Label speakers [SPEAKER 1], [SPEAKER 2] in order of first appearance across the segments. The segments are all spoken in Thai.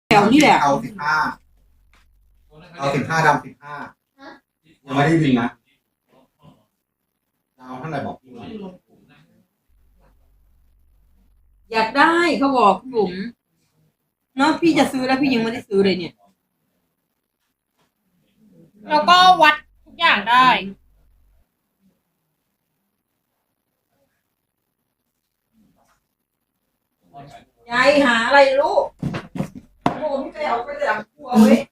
[SPEAKER 1] แถวนี่แหละ
[SPEAKER 2] เอา15เอา15ดำ15ยังไม่ได้บินนะจะเอาเท่าไหร่บอกพี่หน่อย
[SPEAKER 1] อยากได้เขาบอกพี่บุ๋มเนาะพี่จะซื้อแล้วพี่ยังไม่ได้ซื้อเลยเนี่ย
[SPEAKER 3] แล้วก็วัดทุกอย่างได้
[SPEAKER 1] ยายหาอะไรลูกโอ้พี่ไปเอาไปหลังครัวเว้ย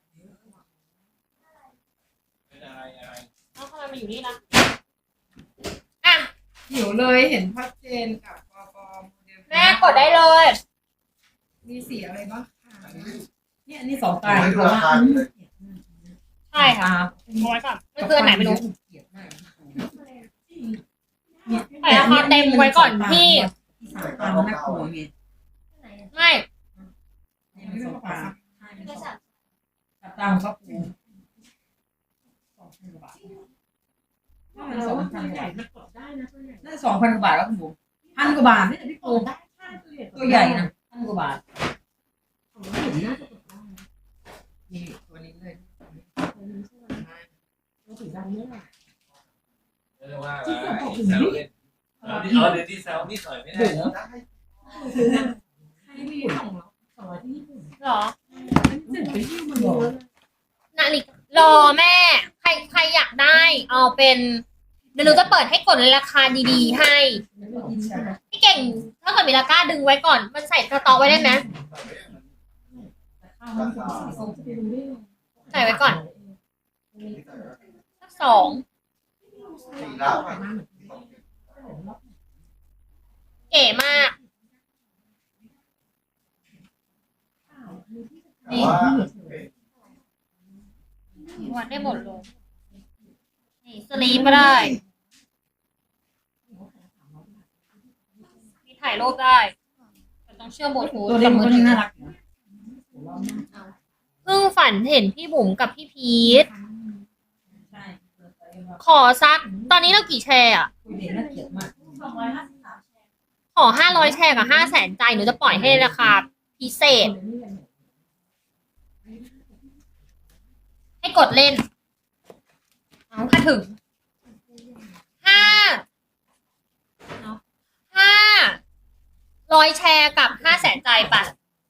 [SPEAKER 3] แล้วทำไมมาอยู่นี่ล่ะอ่ะ
[SPEAKER 4] หิวเลยเห็นชัดเจนกับปปโมเดล
[SPEAKER 3] แม่กดได้เลย
[SPEAKER 4] มีสีอะไรบ้างคะ
[SPEAKER 1] เนี่ยอันนี้สอง
[SPEAKER 2] ผ
[SPEAKER 1] ตาม
[SPEAKER 2] ให้ดูราคาเลย
[SPEAKER 3] ใช่ค่ะเอาไว้ก่อนไม่เกินไหนไม่รู้ใส่ราคาเต็มไว้ก่อนพี่
[SPEAKER 1] สามตามแม่ครัวไง
[SPEAKER 3] ไม่
[SPEAKER 1] นี่มันสองตามใช่มันสองตามก็ปูมัน2,000 กว่าบาทน่าจะ2,000 กว่าบาทแล้วคุณบุ๋ม1,000 กว่าบาทนี่พี่ปูตัวใหญ่นะ1,000 กว่าบาทนี่ตัวนี้เลย
[SPEAKER 5] เรียกว่าแซวเล่นเดี๋ยวที่แซวนิดหน่อยไม่ได้เนอะ
[SPEAKER 3] หรอนาฬิการอแม่ ใครอยากได้ เอาเป็นเดี๋ยวหนูจะเปิดให้กดราคาดีๆให้พี่เก่งถ้าเกิดมีราคาดึงไว้ก่อน มันใส่สต็อกไว้ได้ไหมใส่ไว้ก่อนสัก2
[SPEAKER 2] สีแล้ว
[SPEAKER 3] เก๋มาก
[SPEAKER 2] แต่ว่า
[SPEAKER 3] วัดได้หมดเลยนี่สลีปก็ได้ มีถ่ายรูปได้แต่ต้องเชื่อมบลูทูธ
[SPEAKER 1] ตัวเล็กมันก็น่ารัก
[SPEAKER 3] เพิ่งฝันเห็นพี่บุ๋มกับพี่พีท
[SPEAKER 1] ใช่
[SPEAKER 3] ขอสัก ตอนนี้เรากี่แชร์อ่ะ
[SPEAKER 1] คุยเด็กน่าเกลียดมาก
[SPEAKER 3] ขอ500แชร์กับ500,000ใจหนูจะปล่อยให้ราคาพิเศษ ให้กดเล่น เอาถ้าถึง500แชร์กับ500,000ใจป่ะ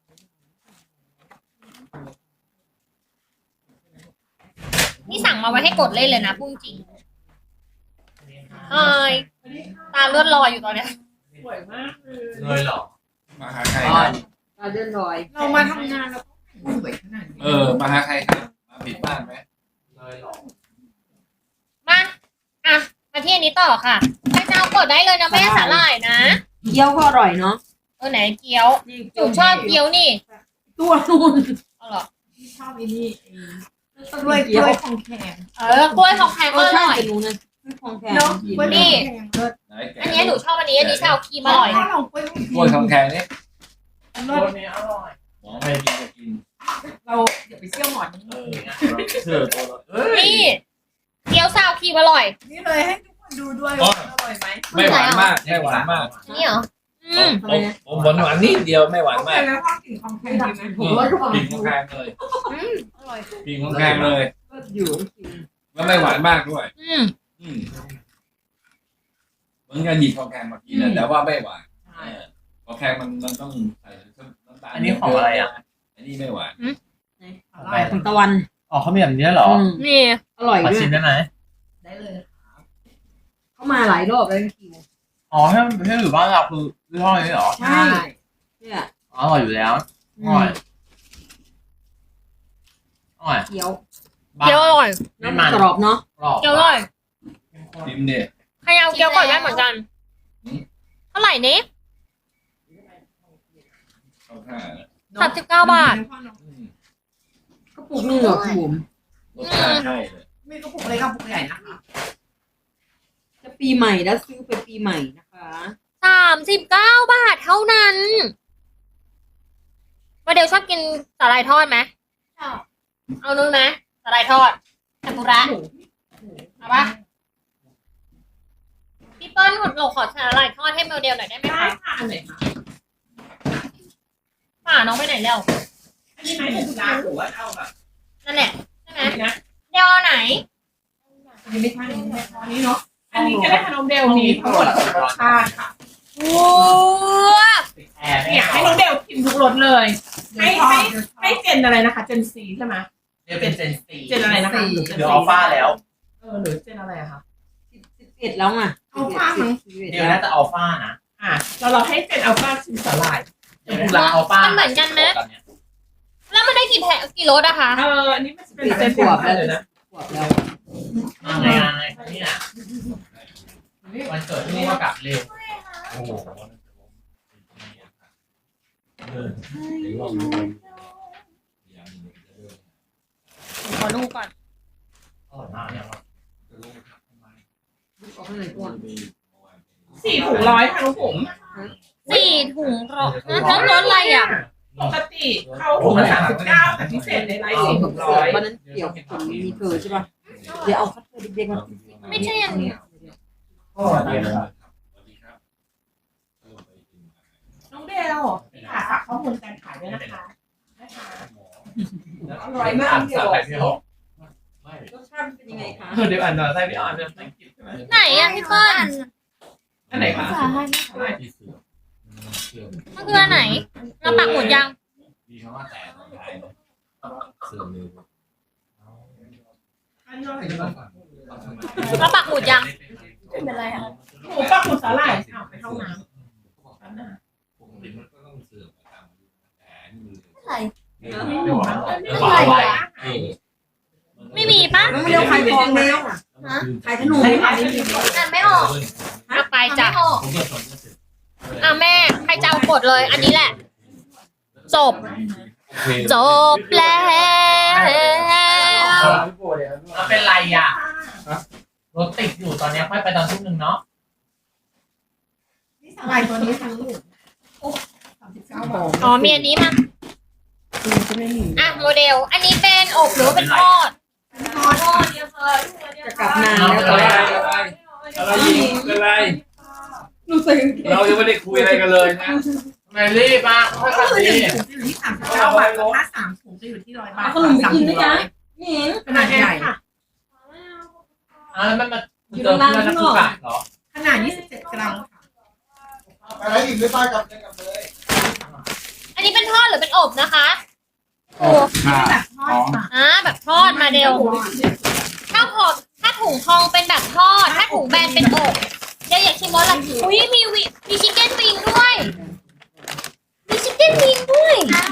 [SPEAKER 3] นี่สั่งมาไว้ให้กดเล่นเลยนะพูดจริงเอ้ยตาเลือดลอยอยู่ตอนเนี้ย
[SPEAKER 5] เลยเหรอมาหาใคร
[SPEAKER 1] ตาเดินลอย
[SPEAKER 4] เรามาทำงานแล้วก็สวยขนาดนี้
[SPEAKER 5] มาหาใครครับมาผิดบ้านไหมเลยเหรอ
[SPEAKER 3] มาอ่ะมาที่อันนี้ต่อค่ะใครจะเอากดได้เลยนะแม่สาหร่ายนะ
[SPEAKER 1] เกี๊ยวก็อร่อยเนาะ
[SPEAKER 3] ไหนเกี๊ยวหนูชอบเกี๊ยวนี่
[SPEAKER 1] ตัวนู่น
[SPEAKER 3] เอาเหรอ
[SPEAKER 4] ที่ชอบอีนี่
[SPEAKER 1] กล้วย
[SPEAKER 4] กล้วยของแข็ง
[SPEAKER 3] กล้วยของแพงก็อ
[SPEAKER 1] ใช่
[SPEAKER 3] ร่อย
[SPEAKER 1] เป็นหนูนะของแข็ง
[SPEAKER 4] เนาะ
[SPEAKER 1] กิน
[SPEAKER 4] กล้วย
[SPEAKER 3] นี่
[SPEAKER 4] ของแข็งเลิศ
[SPEAKER 5] ไหนแก
[SPEAKER 3] อันนี้หนูชอบอันนี้ชาวครีมอร่อย
[SPEAKER 4] ถ้าเรากล้วย
[SPEAKER 5] กล้วยทองแข็งนี่
[SPEAKER 4] เลิศนี้อร่อย
[SPEAKER 5] หมอไม่กินจะกิน
[SPEAKER 4] เราเดี๋ยวไปเชี่ยวหมอน
[SPEAKER 5] เชื่อตัวเราเอ้ย
[SPEAKER 3] นี่เกี๊ยวซาวครีมอร่อย
[SPEAKER 4] นี่เลยให้ทุกคนดูด้วยว่าอร่อยไหม
[SPEAKER 5] ไม่หวานมากไม่หวานมาก
[SPEAKER 3] นี่เหรอ
[SPEAKER 5] ผมหวานหวานนิดเดียวไม่หวาน
[SPEAKER 4] โอเค
[SPEAKER 5] มาก
[SPEAKER 4] แล้วก็กลิ่นของแข็งดีไหม
[SPEAKER 5] กินของแข็งเลย
[SPEAKER 4] อร่อย
[SPEAKER 5] กินของแข็งเลย
[SPEAKER 1] อยู่
[SPEAKER 5] แล้วไม่หวานมากด้วย
[SPEAKER 3] อืม
[SPEAKER 5] เหมือนกันหยิบของแข็งมากินนะแต่ว่าไม่หวานของแข็งมันต้องใส่น้ำตาล
[SPEAKER 6] อันนี้ของอะไรอ่ะ
[SPEAKER 5] อันนี้ไม่หวาน
[SPEAKER 1] อะไรของตะวัน
[SPEAKER 6] อ๋อเขามีแบบนี้เหรอ
[SPEAKER 3] นี่
[SPEAKER 1] อร่อย
[SPEAKER 6] ขอ
[SPEAKER 1] ด้ว
[SPEAKER 6] ชิม
[SPEAKER 1] ย
[SPEAKER 6] ได้ไหม
[SPEAKER 4] ได้เลย
[SPEAKER 1] เขามาหลายรอบแล้วพี่คิว
[SPEAKER 6] อ๋อให้อยู่บ้านเราคือยี่ห้อนี้เหรอ
[SPEAKER 1] ใช่เนี่ย
[SPEAKER 6] อ๋ออร่อยอยู่แล้วอร่อยอร่อย
[SPEAKER 1] เกี๊ยว
[SPEAKER 3] เกี๊ยวอร่อย
[SPEAKER 6] ไม่มัน
[SPEAKER 1] กรอบเนาะ
[SPEAKER 6] กรอบ
[SPEAKER 3] เกี๊ยวอร่อย
[SPEAKER 5] ชิมเนี่ย
[SPEAKER 3] ใครเอาเกี๊ยวก่อนได้เหมือนกันเท่าไหร่นี้
[SPEAKER 5] เข้าท่านะ
[SPEAKER 3] 39 บาท
[SPEAKER 1] ก็ปลูกนึงเหรอคุณบุ๋ม
[SPEAKER 5] รสชาติใช่เลย
[SPEAKER 4] มีกระปุกเล็กกระปุกใหญ่นะคะ
[SPEAKER 1] จะปีใหม่แล้วซื้อไปปีใหม่นะคะ
[SPEAKER 3] 39 บาทเท่านั้นว่าเดี๋ยวชอบกินสาหร่ายทอดไหมชอบเอานึงนะสาหร่ายทอดเทมปุระเอาปะพี่เปิ้ลหนูขอสาหร่ายทอดให้โมเดลหน่อยได้ไหม
[SPEAKER 4] ได้
[SPEAKER 3] คะ
[SPEAKER 4] ค่ะอันไหนคะ
[SPEAKER 3] ป่าน้องไปไหนแล้ว
[SPEAKER 4] อันนี้ไหมเป็นร้านหรือว่าเอาแบบ
[SPEAKER 3] นั่นแหละใช่ไหม
[SPEAKER 4] นะ
[SPEAKER 3] เดี๋ยวเอาไหน
[SPEAKER 4] อันนี้ไม่ใช่อันนี้เนาะอันนี้ก็ได้ขนมเดลมีทั้งหมด6รสชาติค่ะ
[SPEAKER 3] โอ้
[SPEAKER 6] แอร์
[SPEAKER 4] อยากให้น้องเดลพิมพ์ทุกรสเลยให้เจนอะไรนะคะเจนซีใช่ไหม
[SPEAKER 6] เดี๋ยวเป็นเจนซี
[SPEAKER 4] เจนอะไรนะคะ
[SPEAKER 6] เดี๋ยวอัลฟาแล้ว
[SPEAKER 4] หรือเจนอะไรอะคะ
[SPEAKER 1] 11แล้วไง
[SPEAKER 4] อัลฟามั้ง
[SPEAKER 6] เดี๋ยวน่าจะอัลฟานะ
[SPEAKER 4] เราให้เป็นอัลฟาชิมสลาย
[SPEAKER 6] เดี๋ยวบุราอัลฟา
[SPEAKER 3] มันเหมือนกันไหมแล้วมันได้กี่รสอะคะ
[SPEAKER 4] อันนี้มันเป็นเจนขวบเลยนะ
[SPEAKER 1] ขวบแล้ว
[SPEAKER 6] อะไรเนี่ยวันเกิดที่นี่ก็กลับเร็ว
[SPEAKER 5] โอ้โห
[SPEAKER 3] ขอดูก่อน
[SPEAKER 6] อร่อยมากเนี่ย
[SPEAKER 1] ออกข้างในก่อน
[SPEAKER 4] 4 ถุงร้อยค่ะน้องผม
[SPEAKER 3] 4 ถุงรสแล้วรสอะไรอะ
[SPEAKER 4] ปกติเขาถุงละ39แต่พิเศษในไลฟ์4 ถุงร้อย
[SPEAKER 1] วันนั้นเกี่ยวกับมีเธอใช่ป่ะเดี๋ยวเอาคัตเตอร์เด็กๆมา
[SPEAKER 3] ไม่ใช่อันนี้
[SPEAKER 6] ก็อร่อยมาก
[SPEAKER 4] น้องเดลฝากข้อมูลการขายด้วยนะคะอร่อยมากเด
[SPEAKER 6] สา
[SPEAKER 4] ล
[SPEAKER 6] ไข่พี่หก
[SPEAKER 1] รสชาติเป็นยังไงคะ
[SPEAKER 6] เดี๋ยวอ่านหน่อยใส่พี่อ่านเนี่ยไม่กินใช่ไหม
[SPEAKER 3] ไหนอะพี่เปิ้ล
[SPEAKER 4] อันไหนคะ
[SPEAKER 3] มันคืออันไหนเราปักหมุดยัง
[SPEAKER 5] มีคำว่าแต่ตอนท้ายเสื่อมเร็ว
[SPEAKER 4] อันนี้อะไรบ้าง
[SPEAKER 3] เราปักหมุดยัง
[SPEAKER 4] เป็นไรอ่ะหมูปักหมูสาหร่ายไปเข้าน้ำ
[SPEAKER 5] ปกติมันก็ต้องเสื่อมตามอายุแต่นี่มัน
[SPEAKER 3] อะไร
[SPEAKER 5] เร็ว
[SPEAKER 3] ไม่มีปะ
[SPEAKER 1] น้องเร็วขายของแล้วขายขนม
[SPEAKER 3] อ่านไม่ออกเอาไปจ้ะ
[SPEAKER 5] ผมก็สนจะเสร็จ
[SPEAKER 3] อ่ะแม่ใครจะเอากดเลย อันนี้แหละ จบ จบแล้ว
[SPEAKER 6] มันเป็นไรอ่ะรถติดอยู่ตอนนี้ค่อยไปตอนทุ่มหนึ่งเนาะ
[SPEAKER 4] นี่สาหร่ายตัวนี้ทั้งหมด39 บาท
[SPEAKER 3] อ๋อมีอันนี้มา
[SPEAKER 4] จะไม่มี
[SPEAKER 3] อ่ะโมเดล อันนี้เป็นอบหรือว่าเป็นทอด
[SPEAKER 1] จะกลับนาน
[SPEAKER 5] อะ
[SPEAKER 1] แล้ว
[SPEAKER 5] ไรอะไรยิงอะไร
[SPEAKER 1] หนูใส่กางเกง
[SPEAKER 5] เรายังไม่ได้คุยอะไรกันเลยนะ
[SPEAKER 6] ทำไมรีบอ่ะค่อย
[SPEAKER 4] ก็
[SPEAKER 6] กลับ
[SPEAKER 4] คือ
[SPEAKER 6] ดี
[SPEAKER 4] 1 ถุงจะอยู่ที่39 บาทถ้า3 ถุงจะอยู่ที่100 บาท
[SPEAKER 1] ขนมไปกินไหมจ๊ะนี่
[SPEAKER 4] ขนาดใหญ่ค่ะ
[SPEAKER 6] แล้วมันมาเจอเพื่อนนักศึกษาเหรอ
[SPEAKER 4] ขนาด27 กรัมค่ะ
[SPEAKER 2] ไปไหนอีกไม่ป้ายกลับเลย
[SPEAKER 3] อันนี้เป็นทอดหรือเป็นอบนะคะโอ้
[SPEAKER 4] แบบทอดค่ะ
[SPEAKER 3] แบบทอดมาเดล ถ้าถุงทองเป็นแบบทอด ถ้าถุงแบนเป็นอบเดี๋ยวอยากชิมรสอะไรอุ้ยมีชิคเก้นวิงด้วย มีชิคเก้นวิงด้วย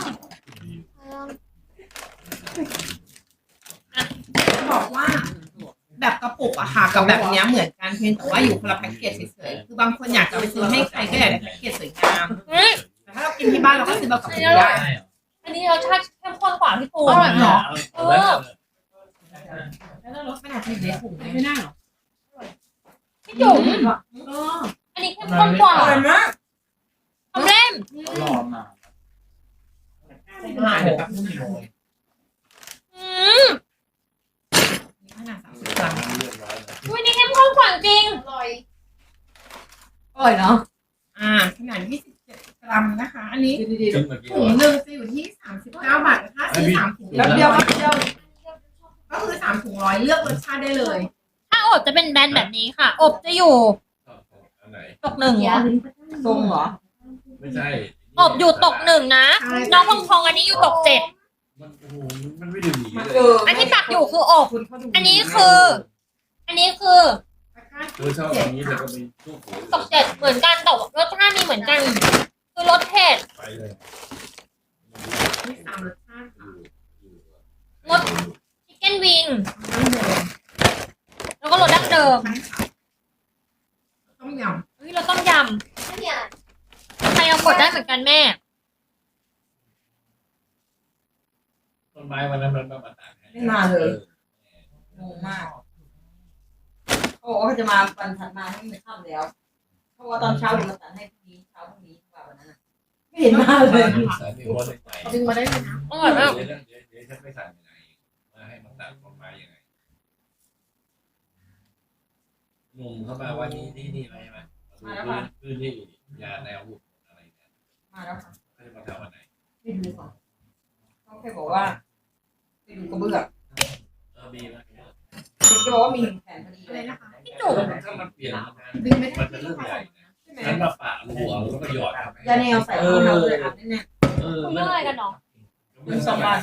[SPEAKER 4] บอกว่า แบบกระปุกอะค่ะกับแบบเนี้ยเหมือนกันเพียงแต่ว่าอยู่คนละแพ็กเกจเฉยๆคือบางคนอยากจะไปซื้อให้ใครก็อยากได้แพ็กเกจสวยงาม
[SPEAKER 3] เฮ้ย
[SPEAKER 4] แต่ถ้าเรากินที่บ้านเราก็ซื้อแบบกระปุกได้
[SPEAKER 3] อันนี้รสชาติเข้มข้นกว่าพี่ปู
[SPEAKER 4] อร่อยเหรอ
[SPEAKER 5] แล้ว
[SPEAKER 4] แล้วเราลดขนาดที่อยู่ในถุงไม่ได้หรอ
[SPEAKER 3] พี่จุ๋ม
[SPEAKER 4] เออ
[SPEAKER 3] อันนี้เข้มข้นกว่า
[SPEAKER 1] อร่อยมาก
[SPEAKER 3] ทำเล่ม
[SPEAKER 6] รอมามาเดี๋ยวแป๊บนึง
[SPEAKER 3] อืม
[SPEAKER 4] ขนาด30 กรัม
[SPEAKER 3] อุ้ยนี่เข้มข้นกว่าจริง
[SPEAKER 1] อร่อยเนาะ
[SPEAKER 4] ขนาด27 กรัมนะคะ อันนี้
[SPEAKER 1] ดี
[SPEAKER 5] จนเมื่อกี้
[SPEAKER 4] ถุงหนึ่งจะอยู่ที่39 บาทถ้าซื้อ3 ถุง
[SPEAKER 1] ๆแล้วเดียวครับเดียว
[SPEAKER 4] ก็คือ3 ถุง100เลือกรสชาติได้เลย
[SPEAKER 3] ถ้าอบจะเป็นแบนแบบนี้ค่ะ อบจะอยู่
[SPEAKER 5] อันไหน
[SPEAKER 3] ตกหนึ่ง
[SPEAKER 1] ทรงเหรอ
[SPEAKER 5] ไม่ใช่
[SPEAKER 3] อบอยู่ตกหนึ่งนะ น้องพองพองอันนี้อยู่ตก7
[SPEAKER 5] มันโอ้โหมันไม่ได้หนีเลย
[SPEAKER 3] อันที่ปักอยู่คืออบ
[SPEAKER 4] คุณเขาดู
[SPEAKER 3] อันนี้คือ อันนี้คือ
[SPEAKER 5] เธอชอบอย่างนี้แต่ก็มีทุกหัว
[SPEAKER 3] ตก7เหมือนกันแต่ว่ารสชาติมีเหมือนกัน คือรสเผ็ด
[SPEAKER 5] ไปเลย
[SPEAKER 4] มี3 รสชาติค่ะ
[SPEAKER 3] รสชิคเก้นวิง แล้วก็รสดั้งเดิม
[SPEAKER 4] ต้มย
[SPEAKER 3] เฮ้ยเราต้มยำใครเอากดได้เหมือนกันแม่
[SPEAKER 5] ต้นไม้วันนั้นมันมาตัด
[SPEAKER 1] ไม่มาเลยงงมากเขาบอกว่าเขาจะมาวันถัดมาให้มันค่ำแล้วเพราะว่าตอนเช้าเราตัดให้พรุ่งนี้เช้าพรุ่งนี้กว่าวันนั้นไม่เห็นมาเลย
[SPEAKER 5] สายมีหัวในใจ
[SPEAKER 4] ำดึงมาได้เลยนะ
[SPEAKER 3] อร่อยมาก
[SPEAKER 5] เดี๋ยวฉันไม่สั่งยังไงมาให้มันตัดต้นไม้ยังไงงงเข้ามาว่านี่ที่นี่อะไรไหมพื้นที่ยาแนวอะไรเนี่ย
[SPEAKER 1] มาแล้วค่ะ
[SPEAKER 5] ให้มาทำวันไหน
[SPEAKER 1] ไปดูก่อนเขาแค่บอกว่าไปดูกระเบื้อง
[SPEAKER 6] บีนะ
[SPEAKER 1] ติ๊กก็บอกว่ามีแผนพอดี
[SPEAKER 4] อะ
[SPEAKER 1] เล
[SPEAKER 4] ไร
[SPEAKER 1] ย
[SPEAKER 4] นะคะ
[SPEAKER 3] พี่จุ๋ม
[SPEAKER 5] ถ้ามันเปลี่ยนงาน
[SPEAKER 4] ดึงไม่ได้
[SPEAKER 5] มันเป็นเรื่องใหญ่
[SPEAKER 1] ใช่ไหม
[SPEAKER 5] นั้นมาปะหัวแล้วก็หยอดครับ
[SPEAKER 1] ยาแนวใส่รองเท้าเลยอัดแน่
[SPEAKER 3] คุยเรื่องอะไรกันเนาะ
[SPEAKER 1] ๆเป็น2 บาท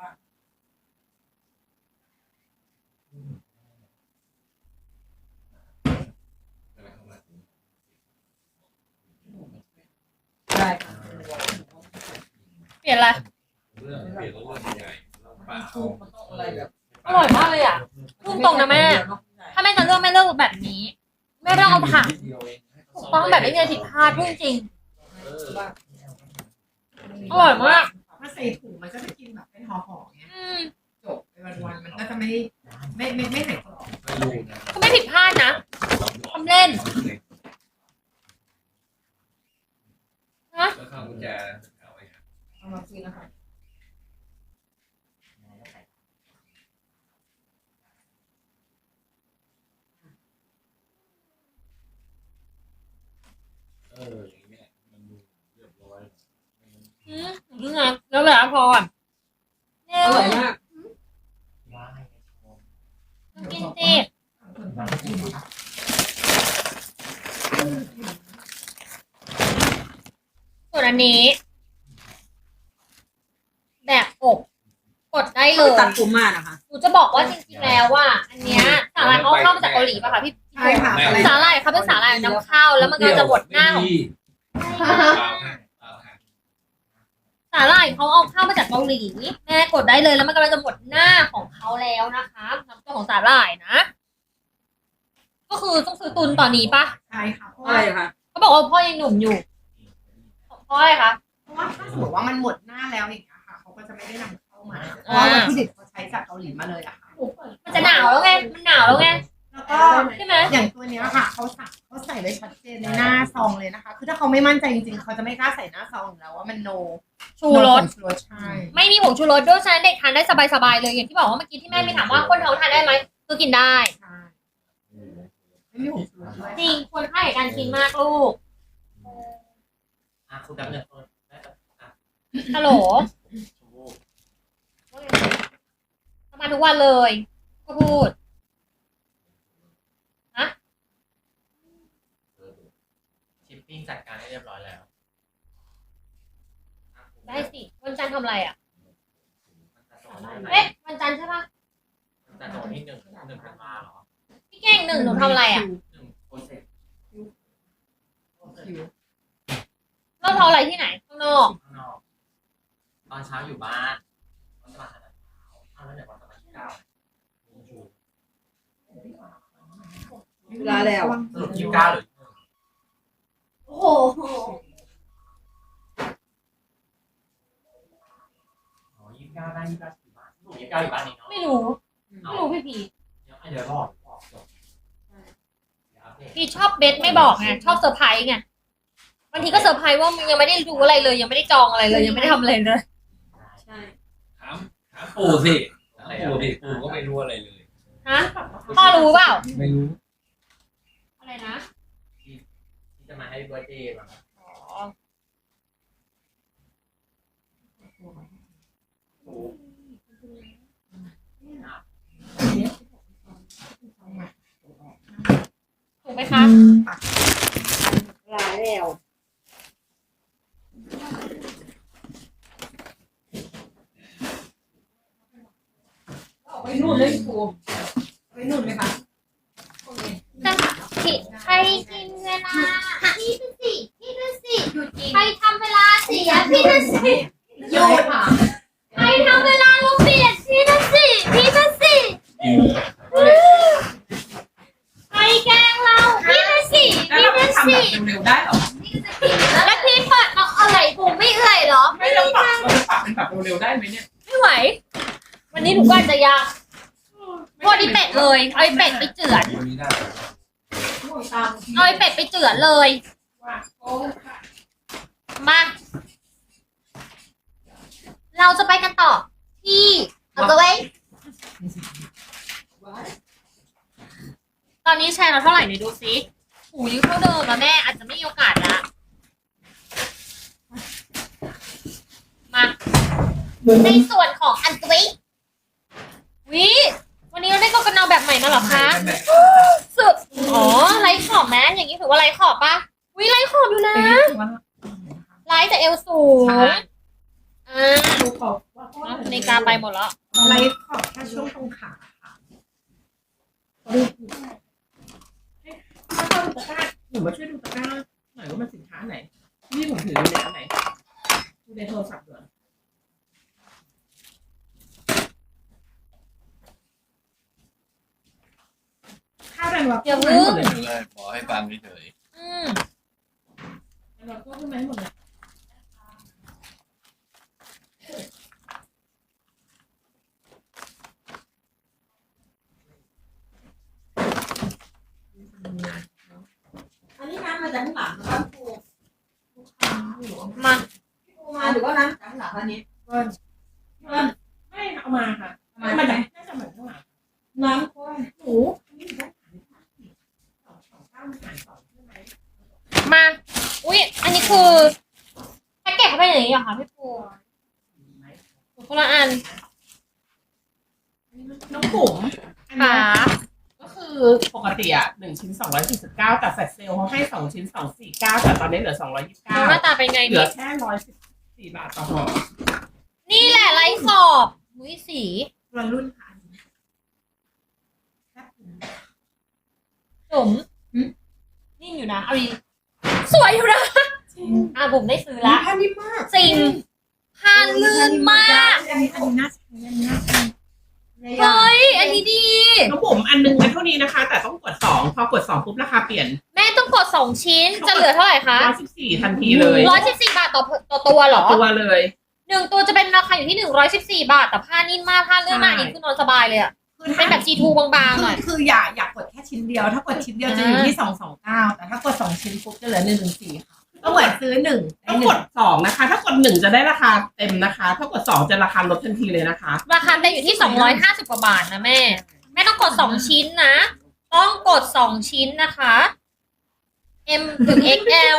[SPEAKER 1] ได้ค่ะ
[SPEAKER 3] เปลี่ยนอะไร
[SPEAKER 5] เรื่องเปลี่ยนเรื่องใหญ่แล้วปะเอา
[SPEAKER 1] มันต้องอะไรแบบ
[SPEAKER 3] อร่อยมากเลยอ่ะพูดตรงนะแม่ ถ้าแม่จะเลือกแม่เลือกแบบนี้แม่ไม่ต้องเอาถังถูกต้องแบบไม่มีอะไรผิดพลาดพูดจริงอร่อยมาก
[SPEAKER 4] ถ้าใส่ถุงมันก็จะกินแบบเป็นห่อๆเงี้ย
[SPEAKER 3] อืม
[SPEAKER 4] จบไปวันๆมันก็จะไม่ใส่กรอบ
[SPEAKER 5] ไม่รู้นะ
[SPEAKER 3] ก็ไม่ผิดพลาดนะ ทำเล่น
[SPEAKER 5] แล้วข้าวกุญแจเอาไว้ครับ
[SPEAKER 1] เอามาคุยนะคะ
[SPEAKER 5] อย่างเงี้ยมันดูเรียบร้อย
[SPEAKER 3] นี่ไงแล้วแบบพออ่ะเร็
[SPEAKER 1] อ
[SPEAKER 3] ว
[SPEAKER 1] ร่อยมาก
[SPEAKER 6] ว้าย
[SPEAKER 3] กินสิส่วนอันนี้ แบบอบกดได้เล
[SPEAKER 1] คือย ตัดผมมานะคะ
[SPEAKER 3] หนูจะบอกว่าจริงๆแล้วว่า อันเนี้ยสาหร่ายเขาเข้ามาจากเกาหลีป่ะคะพี่
[SPEAKER 4] ใช่ค่ะอะไร
[SPEAKER 3] สาหร่ายเขาเป็นสาหร่ายนำเข้าแล้วมันก็จะบดหน้าของสาหร่ายเขาเอาเข้ามาจากเกาหลีแม่กดได้เลยแล้วมันกำลังจะบดหน้าของเขาแล้วนะคะน้ำเจ้าของสาหร่ายนะ ก็คือต้องซื้อตุนตอนนี้ป่ะ
[SPEAKER 4] ใช่ค่ะเพราะ
[SPEAKER 1] อะไร
[SPEAKER 4] ว่า
[SPEAKER 1] คะ
[SPEAKER 3] เขาบอกว่าพ่อยังหนุ่มอยู่เพราะอะไรคะ
[SPEAKER 4] ถ้าสมมติว่ามันหมดหน้าแล้วอย่างเงี้ยค่ะเขาก็จะไม่ได้นำเข้ามาเพราะว่าวัตถุดิบเขาใช้จากเกาหลีมาเลยอะค่ะ
[SPEAKER 3] มันจะหนาวแล้วไงมันหนาวแล้วไง
[SPEAKER 4] แล้วก็
[SPEAKER 3] ใช่ไหม
[SPEAKER 4] อย่างตัวเนี้ยค่ะเขาใส่ไว้ชัดเจนในหน้าซองเลยนะคะ คือถ้าเขาไม่มั่นใจจริงๆเขาจะไม่กล้าใส่หน้าซองอยู่แล้วว่ามันโน
[SPEAKER 3] ชูรส
[SPEAKER 4] ชูรสใช่
[SPEAKER 3] ไม่มีผงชูรสด้วยฉะนั้นเด็กทานได้สบายๆเลยอย่างที่บอกว่าเมื่อกี้ที่แม่มีถามว่าคนท้องทานได้ไหมคือกินได้
[SPEAKER 4] ใช่ไม่มีผงชูรสด้วย
[SPEAKER 3] จริงควรค่าแก่การกินมากลูก
[SPEAKER 6] คุณกับเงินต้นได้แต่
[SPEAKER 3] ฮัลโหล
[SPEAKER 6] ชมพู่
[SPEAKER 3] ทำมาทุกวันเลยก็พูด
[SPEAKER 6] ชิปปิ้งจัดการให้เรียบร้อยแล้ว
[SPEAKER 3] ได้สิวันจันทร์ทำอะไรอ่ะ
[SPEAKER 6] มันจะโดนได้ไหม
[SPEAKER 3] เอ๊ะวันจันทร์ใช่ปะ
[SPEAKER 6] มันจะโดนที่หนึ่งธันวาเหรอ
[SPEAKER 3] พี่เก่งหนึ่งหนูทำอะไรอ่ะ
[SPEAKER 6] หนึ่งโปรเซส
[SPEAKER 3] เราทำอะไรที่ไหนข้างนอก
[SPEAKER 6] ข้างนอกตอนเช้าอยู่บ้านตอนสมัครเช้าเอาแล้วเดี๋ยววันสมัครที่9
[SPEAKER 1] เวลาแล้ว
[SPEAKER 6] สรุป29หรือ
[SPEAKER 3] โอ้โห
[SPEAKER 6] อ๋อ29ได้29อยู่บ้านสรุป29อยู่บ้านนี่เนาะ
[SPEAKER 3] ไม่รู้พี่พี
[SPEAKER 6] เดี๋ยวรอจบ
[SPEAKER 3] พี่ชอบเบสไม่บอกไงชอบเซอร์ไพรส์ไงบางทีก็เซอร์ไพรส์ว่ามันยังไม่ได้ดูอะไรเลย ยังไม่ได้จองอะไรเลย ยังไม่ได้ทำอะไรเลย
[SPEAKER 1] ใช่
[SPEAKER 5] ถามปู่สิถามปู่สิปู่ก็ไม่รู้อะไรเลย
[SPEAKER 3] ฮะพ่อรู้เปล่า
[SPEAKER 5] ไม่รู้
[SPEAKER 3] อะไรนะ
[SPEAKER 6] ที่จะมาให้เบอร์เดย์มา
[SPEAKER 3] อ๋อ ถูกไหมคะ
[SPEAKER 1] เวลาแล้วเอาไปนู่นเลยครูไปนู่นไหมคะ
[SPEAKER 3] ใครกินเวลาพี่เป็นสิใครทำเวลาเสียพี่เป็นสิ
[SPEAKER 4] โยนค่ะ
[SPEAKER 3] ใครทำเวลาเราเปลี่ยนพี่เป็นสิใครแกล้งเราพี่เป็นสิ
[SPEAKER 4] แล้วเราทำแบบเร็วๆได้หรอ
[SPEAKER 3] แล้วพี่เปิดเอาอะไรผมไม่เอื่อยเหรอ
[SPEAKER 4] ไม่เราปรับเป็นแบบเร็วๆได้ไหมเนี่ย
[SPEAKER 3] ไม่ไหว วันนี้หนูก็อาจจะยากพวกนี้เป็ดเลยเอาไอ้เป็ดไปเจือน
[SPEAKER 5] วันนี้ได้
[SPEAKER 3] เอาไอ้เป็ดไปเจือนเลย มา เราจะไปกันต่อที่เอาตัวไว้ตอนนี้แชร์เราเท่าไหร่เนี่ยดูซิหูยังเท่าเดิมอะแม่อาจจะไม่มีโอกาสละมาในส่วนของอันตุยวิวันนี้เราได้กกันนาวแบบใหม่มาเหรอคะสุดอ๋อไลท์ขอบแม้อย่างนี้ถือว่าไลท์ขอบปะวิไลท์ขอบอยู่นะไลท์แต่เอวสูง
[SPEAKER 4] ดูขอบว่า
[SPEAKER 3] นาฬิกาไปหมดแล้ว
[SPEAKER 4] ไลท์ขอบแค่ช่วงตรงขาค่ะถ้าเข้าดูตะกร้าหนูมาช่วยดูตะกร้าหน่อยว่ามันสินค้าไหนนี่ผมถืออยู่ในอันไหนดูในโทรศัพท์ด้วยข้าวแดงวับ
[SPEAKER 3] อย่า
[SPEAKER 4] หม
[SPEAKER 3] ลื
[SPEAKER 4] ด
[SPEAKER 3] ม
[SPEAKER 4] เลย
[SPEAKER 5] เลยบอกให้ฟังเฉย
[SPEAKER 4] เราก็ขึ้นมาหมดเลย
[SPEAKER 1] อันนี้น้ำมาจากข้างหลังนะครับครู
[SPEAKER 3] มา
[SPEAKER 1] ครูมาหรือว่าน้ำจากข้างหลังอันนี้
[SPEAKER 4] ไม่เอามาค่ะมาจากน่าจะเหมือนข้างหลัง
[SPEAKER 1] น้ำข้น
[SPEAKER 4] หนูนี่ได้2.9 ใช่ไหม
[SPEAKER 3] มาอุ้ยอันนี้คือแพ็กเกจเขาเป็นอย่างนี้เหรอคะพี่ปูคนละอัน
[SPEAKER 4] น้องปุ๋มอัน
[SPEAKER 3] ค่ะ
[SPEAKER 4] นี้ก็คือปกติอ่ะ1 ชิ้น 249แต่แฟลชเซลเขาให้2 ชิ้น 249แต่ตอนนี้เหลือ
[SPEAKER 3] น้องหน้า
[SPEAKER 4] 229
[SPEAKER 3] ตาเป็นไง
[SPEAKER 4] เหลื
[SPEAKER 3] นี่
[SPEAKER 4] อแค่114 บาทต่อห่อ
[SPEAKER 3] นี่แหละไลท์ขอบมุ้ยสี
[SPEAKER 4] วัยรุ่นค่ะ
[SPEAKER 3] จุ๋มนิ่มอยู่นะเอาดีสวยอยู่นะบุ๋มได้ซื้อละ
[SPEAKER 1] ผ้านิ่มมาก
[SPEAKER 3] จริงผ้าลื่นมาก
[SPEAKER 4] อันนี้น่าใช้อันนี้น่าใช้
[SPEAKER 3] เฮ้ยอันนี้ดี
[SPEAKER 4] น้องปุ๋มอันนึงมันเท่านี้นะคะ แต่ต้องกด2พอกด2ปุ๊บราคาเปลี่ยน
[SPEAKER 3] แม่ต้องกด2 ชิ้นจะเหลือเท่าไหร่คะ
[SPEAKER 4] 114ทันทีเลย
[SPEAKER 3] 114 บาทต่อตัวเหรอ
[SPEAKER 4] ตัวเลย
[SPEAKER 3] 1 ตัวจะเป็นราคาอยู่ที่114 บาทแต่ผ้านิ่มมากผ้าลื่นมากอันนี้คือนอนสบายเลยอะเป็นแบบ G2 บางๆหน่อย
[SPEAKER 4] คืออยากกดแค่ชิ้นเดียว ถ้ากดชิ้นเดียวจะอยู่ที่229แต่ถ้ากด2ชิ้นปุ๊บจะเหลือ114ค่ะก็เหมือนซื้อ1ต้องกด2นะคะ ถ้ากด1จะได้ราคาเต็มนะคะ ถ้ากด2จะราคาลดทันทีเลยนะคะ
[SPEAKER 3] ราคาเต็มอยู่ที่250 กว่าบาทนะแม่แม่ต้องกด2 ชิ้นนะ ต้องกด2 ชิ้นนะคะ M ถึง XL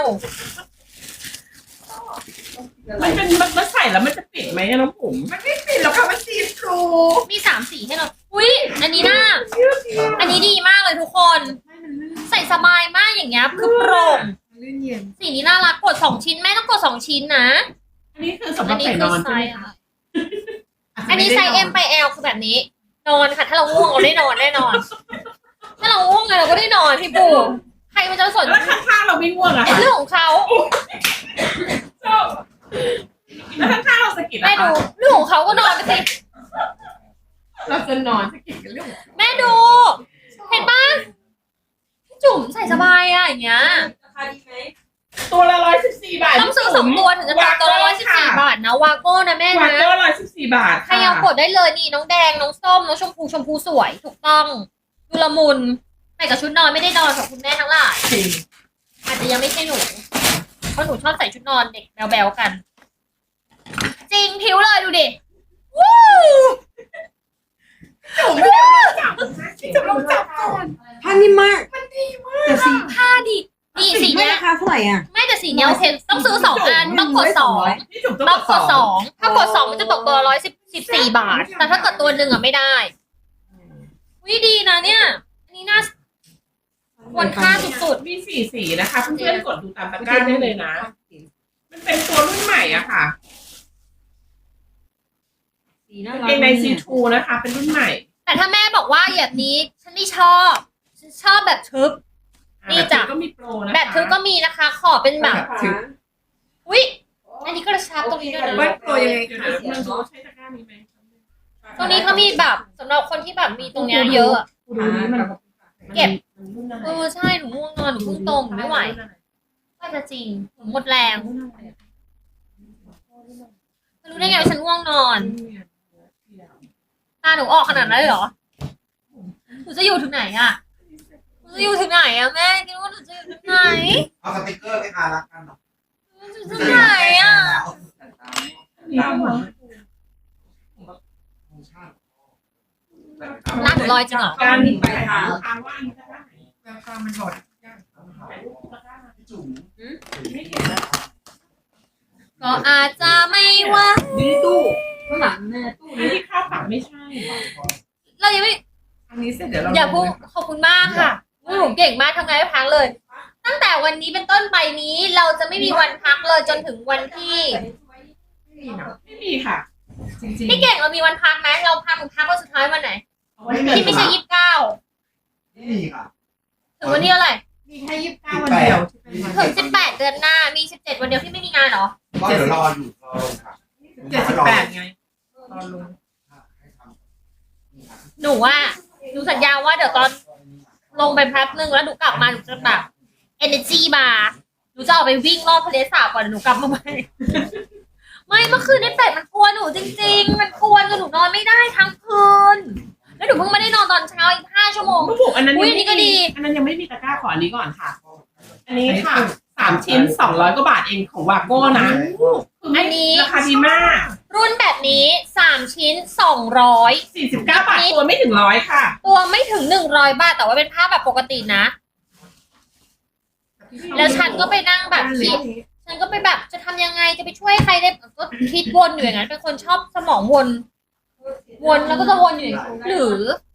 [SPEAKER 4] มันใส่แล้วมันจะปิดไหมน้องผมมันไม่ปิดหรอกค่ะมันซีทรู
[SPEAKER 3] มี3 สีให้เราอุ้ยอันนี้น่าอันนี้ดีมากเลยทุกคน ใส่สบายมากอย่างเงี้ยคือโปร่ง
[SPEAKER 4] ลื่นเย็น
[SPEAKER 3] สีนี้น่ารักกด2 ชิ้นแม่ต้องกด2 ชิ้นนะ
[SPEAKER 4] อันนี้คือสำหรับใส่นอนใช่ไหมคะ
[SPEAKER 3] อันนี้ไซส์ M ไป L คือแบบนี้ นอนค่ะ ถ้าเราง่วงเราได้นอนแน่นอน ถ้าเราง่วงไงเราก็ได้นอนพี่ปูใครมันจะสน
[SPEAKER 4] แล้วข้างๆเราไม่ง่วงอะค่ะ
[SPEAKER 3] เรื่องของเขา
[SPEAKER 4] แล้วข้างๆเราสะกิด
[SPEAKER 3] แม่ดูเรื่องของเขาก็นอนไปสิ
[SPEAKER 4] เราจะนอนสะกิดกันเรื่อง
[SPEAKER 3] แม่ดู เห็นปะพี่จุ๋มใส่สบายอะอย่างเงี้ย
[SPEAKER 1] ราคาดีไหม
[SPEAKER 4] ตัวละ114 บาท
[SPEAKER 3] ต้องซื้อ2 ตัวถึงจะตกตัวละ114 บาทนะวาโก้นะแม่
[SPEAKER 4] วา
[SPEAKER 3] นะ
[SPEAKER 4] โก้114 บาท
[SPEAKER 3] ใครยังกดได้เลยนี่น้องแดงน้องส้มน้องชมพูสวยถูกต้องดูละมุนใส่กับชุดนอนไม่ได้นอนของคุณแม่ทั้งหลาย
[SPEAKER 4] จริง
[SPEAKER 3] อาจจะยังไม่ใช่หนูเพราะหนูชอบใส่ชุดนอนเด็กแบวๆกัน จริงผิวเลยดูดิวู้
[SPEAKER 4] จุ๋มไม่ได้จับจุ๋มลองจับก่อน
[SPEAKER 1] ผ้านิ่มมาก
[SPEAKER 3] แต่สีผ้าดินี่สี
[SPEAKER 1] ไม่
[SPEAKER 3] เนี้ย
[SPEAKER 1] ราคาเท่าไหร่อ่ะ
[SPEAKER 3] ไม่แต่สีเนี้ยโอเคต้องซื้อ2 อันต้องกด2
[SPEAKER 4] พี่จุ๋ม
[SPEAKER 3] ต้
[SPEAKER 4] ต้
[SPEAKER 3] อ
[SPEAKER 4] อง ง
[SPEAKER 3] ก
[SPEAKER 4] ก
[SPEAKER 3] ด
[SPEAKER 4] ด
[SPEAKER 3] 2ถ้ากด2มันจะตกตัวละ114 บาท แต่ถ้าเกิดตัวหนึ่งอ่ะไม่ได้วิดีนะเนี่ย อันนี้น่าควรค่าสุด
[SPEAKER 4] มี4 สีนะคะเพื่อนๆกดดูตามตะกร้าได้เลยนะ มันเป็นตัวรุ่นใหม่อะค่ะ
[SPEAKER 1] สีน่ารั
[SPEAKER 4] เกงในซีทูนะคะ เป็นรุ่นใหม่
[SPEAKER 3] ๆแต่ถ้าแม่บอกว่าแบบนี้ฉันไม่ชอบฉันชอบแบบทึบ นี่จ้ะ
[SPEAKER 4] ก็มีโปรนะคะ
[SPEAKER 3] แบบทึบก็มีนะคะ ขอเป็นแบบ
[SPEAKER 1] ถึง
[SPEAKER 3] อุ้ยอันนี้กระชับตรงนี้ด้วยนะ
[SPEAKER 4] ว่าโปรยังไงคะมันดูใช้ตะกร้านี้ไหม
[SPEAKER 3] ตรงนี้เขามีแบบสำหรับคนที่แบบมีตรงเนี้ยเยอะอะ
[SPEAKER 4] ดูนี้มัน
[SPEAKER 3] เก็บ ใช่หนูง่วงนอนหนูเพิ่งตรงหนูไม่ไหวก็จะจริงหนูหมดแรงไม่รู้ได้ไงว่าฉันง่วงนอน ตาหนูออกขนาดนั้นเลยเหรอหนูจะอยู่ถึงไหนอะหนูจะอยู่ถึงไหนอะแม่คิดว่าหนูจะอยู่ถึงไหน
[SPEAKER 2] เอาสติกเกอร์ไปทารักกันหรอ
[SPEAKER 3] หนูจะอยู่ถึงไหนอะ ร้านหนูลอยจริงเหรอ
[SPEAKER 4] การไปหาว่าอันนี้ก็ได้ราคามันหดไม่เห็น
[SPEAKER 3] ก็อาจจะไม่ว่า
[SPEAKER 1] อยู่ในตู้ข้างหลังแม่ตู้
[SPEAKER 4] อันที่ข้าวฝักไม่ใช่
[SPEAKER 3] เรายังไม่
[SPEAKER 4] อันนี้เสร็จเดี๋ยวเรา
[SPEAKER 3] อย่าพูดขอบคุณมากค่ะหนูเก่งมากทำงานไม่พักเลย ตั้งแต่วันนี้เป็นต้นไปนี้เราจะไม่มีวันพักเลยจนถึงวันที่
[SPEAKER 4] ไม่มีค่ะ จริงๆ
[SPEAKER 3] พี่เก่งเรามีวันพักไหมเราพักถึงพักวันสุดท้ายวันไหนที่ไม่ใช่29
[SPEAKER 2] ไม่มีค่ะ
[SPEAKER 3] ถึงวันที่เท่าไหร่
[SPEAKER 4] มีแค่29 วันเดียวที่เป็นวัน
[SPEAKER 3] ถึง18 เดือนหน้ามี17 วันเดียวที่ไม่มีงานเหรอ
[SPEAKER 2] ก็เดี๋ยวรออยู่รอลงค่ะ
[SPEAKER 4] 78ไงตอนลง
[SPEAKER 3] หนูว่าหนูสัญญาว่าเดี๋ยวตอนลงไปแป๊บนึงแล้วหนูกลับมาหนูจะแบบ energy มาหนูจะออกไปวิ่งรอบทะเลสาบก่อนหนูกลับมาใหม่ ไม่เมื่อคืนไอ้เป็ดมันกลัวหนูจริงๆมันกลัวจนหนูนอนไม่ได้ทั้งคืนแล้วหนูเพิ่งไม่ได้นอนตอนเช้าอีก5 ชั่วโมง
[SPEAKER 4] ลูกบุกอันนั้น
[SPEAKER 3] อุ๊ย
[SPEAKER 4] ยัง
[SPEAKER 3] อันนี้ก็
[SPEAKER 4] ไม่
[SPEAKER 3] ดี
[SPEAKER 4] มีอันนั้นยังไม่มีตะกร้าขออันนี้ก่อนค่ะ อันนี้ค่ะ3 ชิ้น 200 กว่าบาทเองของวาโก้นะอันนี้ราคาดีมาก
[SPEAKER 3] รุ่นแบบนี้3 ชิ้น 200
[SPEAKER 4] 49 บาทตัวไม่ถึง100ค่ะ
[SPEAKER 3] ตัวไม่ถึง100 บาทแต่ว่าเป็นผ้าแบบปกตินะ แล้วฉันก็ไปนั่งแบบคิด ฉันก็ไปแบบจะทำยังไงจะไปช่วยใครได้ก็คิดวนอยู่อย่างนั้นเป็นคนชอบสมองวนแล้วก็จะวนอยู่อย่างนั้นหรือ